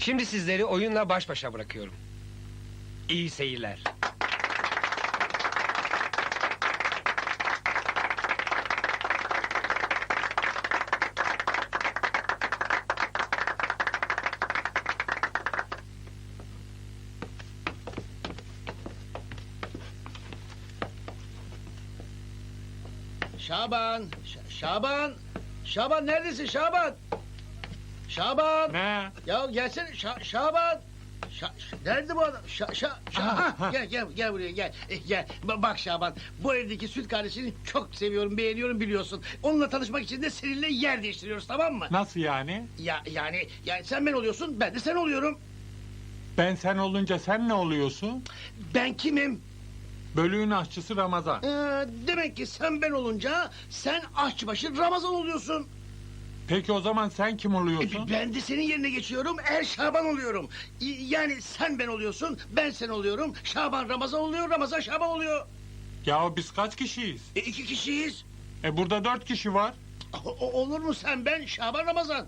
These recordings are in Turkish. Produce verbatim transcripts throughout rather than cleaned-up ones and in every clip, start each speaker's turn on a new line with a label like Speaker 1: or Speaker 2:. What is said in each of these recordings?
Speaker 1: Şimdi sizleri oyunla baş başa bırakıyorum. İyi seyirler.
Speaker 2: Şaban, Ş- Şaban, Şaban neredesin Şaban? Şaban.
Speaker 3: Ne?
Speaker 2: Ya gelsene Şa- Şaban. Şa- Ş- nerede bu adam? Şa- Şa- Şa-
Speaker 3: Ha,
Speaker 2: Ha,
Speaker 3: ha.
Speaker 2: gel gel gel buraya gel. Eh, gel. Ba- Bak Şaban, bu evdeki süt kardeşini çok seviyorum, beğeniyorum biliyorsun. Onunla tanışmak için de seninle yer değiştiriyoruz, tamam mı?
Speaker 3: Nasıl yani?
Speaker 2: Ya yani yani sen ben oluyorsun, ben de sen oluyorum.
Speaker 3: Ben sen olunca sen ne oluyorsun?
Speaker 2: Ben kimim?
Speaker 3: Bölüğün aşçısı Ramazan.
Speaker 2: Ee, demek ki sen ben olunca sen aşçıbaşı Ramazan oluyorsun.
Speaker 3: Peki o zaman sen kim
Speaker 2: E,
Speaker 3: oluyorsun?
Speaker 2: Ben de senin yerine geçiyorum, Er Şaban oluyorum. Y- Yani sen ben oluyorsun, ben sen oluyorum. Şaban Ramazan oluyor, Ramazan Şaban oluyor.
Speaker 3: Ya biz kaç kişiyiz?
Speaker 2: E, iki kişiyiz.
Speaker 3: E burada dört kişi var.
Speaker 2: O- o- olur mu sen ben, Şaban Ramazan?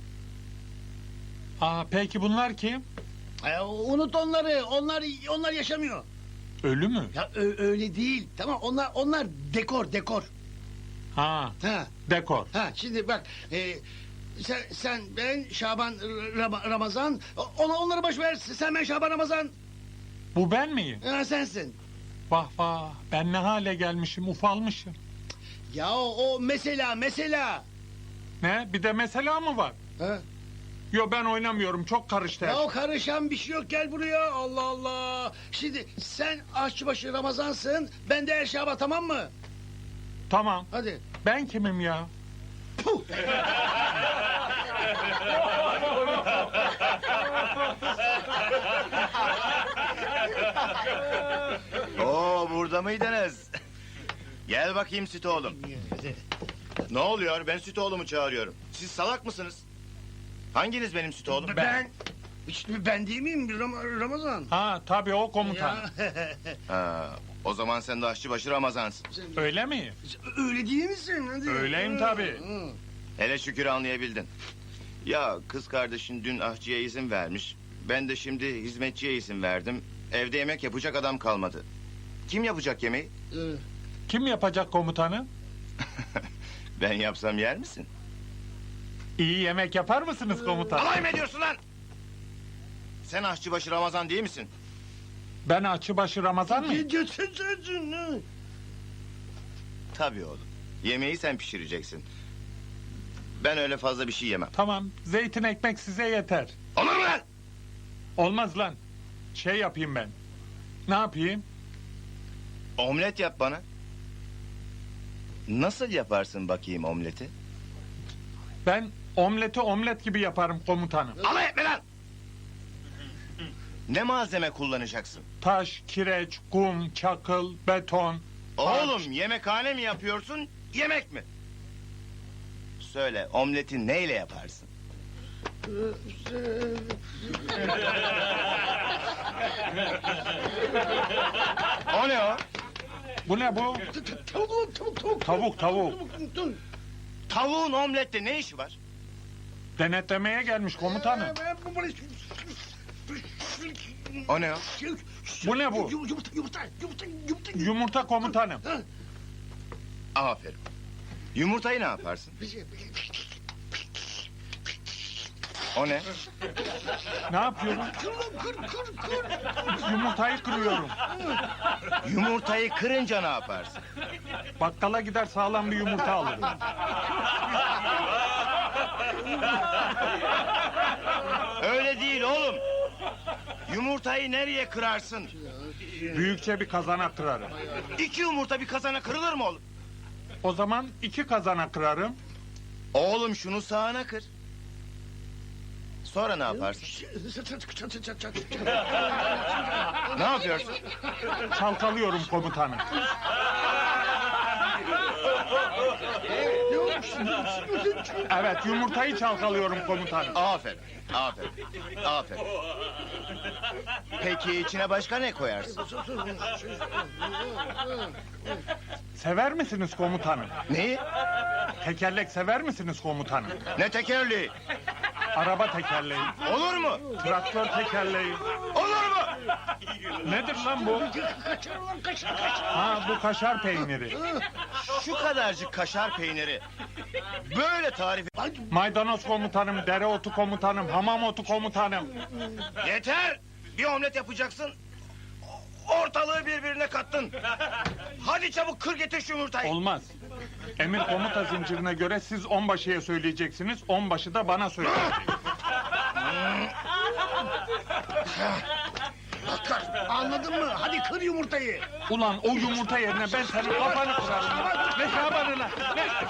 Speaker 3: Aa peki bunlar kim?
Speaker 2: E, unut onları, onlar onlar yaşamıyor.
Speaker 3: Ölü mü?
Speaker 2: Ya ö- öyle değil, tamam onlar onlar dekor dekor.
Speaker 3: Ha
Speaker 2: Ha
Speaker 3: dekor.
Speaker 2: ha şimdi bak. E, sen, sen ben Şaban Ram- Ramazan. Ona onları boş ver. Sen ben Şaban Ramazan.
Speaker 3: Bu ben miyim?
Speaker 2: Ha, sensin.
Speaker 3: Vah vah ben ne hale gelmişim ufalmışım.
Speaker 2: Ya o, o mesela mesela.
Speaker 3: Ne bir de mesela mı var?
Speaker 2: Ha?
Speaker 3: Yo ben oynamıyorum çok karıştı. her
Speaker 2: Ya
Speaker 3: şey.
Speaker 2: o karışan bir şey yok, gel buraya. Allah Allah. Şimdi sen aşçıbaşı Ramazansın, ben de Er Şaban, tamam mı?
Speaker 3: Tamam
Speaker 2: Hadi.
Speaker 3: ben kimim ya?
Speaker 2: Puh.
Speaker 4: Oo burada mıydınız? Gel bakayım süt oğlum. Ne oluyor? Ben süt oğlumu çağırıyorum. Siz salak mısınız? Hanginiz benim süt oğlum?
Speaker 2: Ben. İşte ben değil miyim Ram- Ramazan?
Speaker 3: Ha tabii o komutan.
Speaker 2: Ya.
Speaker 4: Ha, o zaman sen de aşçıbaşı Ramazansın.
Speaker 3: Öyle mi?
Speaker 2: Öyle değil misin? Hadi.
Speaker 3: Öyleyim tabii.
Speaker 2: Hı.
Speaker 4: Hele şükür anlayabildin. Ya kız kardeşin dün aşçıya izin vermiş. Ben de şimdi hizmetçiye izin verdim. Evde yemek yapacak adam kalmadı. Kim yapacak yemeği?
Speaker 2: Hı.
Speaker 3: Kim yapacak komutanı?
Speaker 4: Ben yapsam yer misin?
Speaker 3: İyi yemek yapar mısınız komutan?
Speaker 4: Alay mı ediyorsun lan? Sen aşçıbaşı Ramazan değil misin?
Speaker 3: Ben Açıbaşı Ramazan mıyım?
Speaker 2: Götürsün, hı.
Speaker 4: Tabii oğlum. Yemeği sen pişireceksin. Ben öyle fazla bir şey yemem.
Speaker 3: Tamam zeytin ekmek size yeter.
Speaker 4: Olur mu lan?
Speaker 3: Olmaz lan. Şey yapayım ben. Ne yapayım?
Speaker 4: Omlet yap bana. Nasıl yaparsın bakayım omleti?
Speaker 3: Ben omleti omlet gibi yaparım komutanım.
Speaker 4: Alay etme lan! Ne malzeme kullanacaksın?
Speaker 3: Taş, kireç, kum, çakıl, beton.
Speaker 4: Oğlum yemekhane mi yapıyorsun, yemek mi? Söyle, omleti neyle yaparsın? O ne o?
Speaker 3: Bu ne bu?
Speaker 2: Tavuk, tavuk, tavuk.
Speaker 3: Tavuk, tavuk.
Speaker 2: Tavuk.
Speaker 4: Tavuğun omlette ne işi var?
Speaker 3: Denetlemeye gelmiş komutanım.
Speaker 4: O ne o?
Speaker 3: Bu ne bu?
Speaker 2: Yumurta, yumurta, yumurta, yumurta.
Speaker 3: Yumurta komutanım.
Speaker 4: Aferin. Yumurtayı ne yaparsın? O ne?
Speaker 3: Ne yapıyorum?
Speaker 2: Kır, kır, kır.
Speaker 3: Yumurtayı kırıyorum.
Speaker 4: Yumurtayı kırınca ne yaparsın?
Speaker 3: Bakkala gider sağlam bir yumurta alırım.
Speaker 4: Öyle değil oğlum. Yumurtayı nereye kırarsın?
Speaker 3: Büyükçe bir kazana kırarım.
Speaker 4: İki yumurta bir kazana kırılır mı oğlum?
Speaker 3: O zaman iki kazana kırarım.
Speaker 4: Oğlum şunu sağına kır. Sonra ne yaparsın? Ne yapıyorsun?
Speaker 3: Çalkalıyorum komutanım. Evet yumurtayı çalkalıyorum komutanım.
Speaker 4: Aferin, aferin, aferin. Peki içine başka ne koyarsın?
Speaker 3: Sever misiniz komutanım?
Speaker 4: Neyi?
Speaker 3: Tekerlek sever misiniz komutanım?
Speaker 4: Ne tekerleği?
Speaker 3: araba tekerleği,
Speaker 4: Olur mu?
Speaker 3: traktör tekerleği.
Speaker 4: Olur mu?
Speaker 3: Nedir lan bu?
Speaker 2: Kaçar ulan kaçar kaçar.
Speaker 3: Ha, bu kaşar peyniri.
Speaker 4: Şu kadarcık kaşar peyniri. Böyle tarif...
Speaker 3: Maydanoz komutanım, dereotu komutanım, hamam otu komutanım.
Speaker 4: Yeter! Bir omlet yapacaksın. Ortalığı birbirine kattın. Hadi çabuk kır getir şu yumurtayı.
Speaker 3: Olmaz. Emir komuta zincirine göre siz onbaşıya söyleyeceksiniz, onbaşı da bana söyleyecek.
Speaker 2: Bakar, anladın mı? Hadi kır yumurtayı.
Speaker 3: Ulan o yumurta yerine ben senin kafanı kırarım. Ne Şaban'ına, ne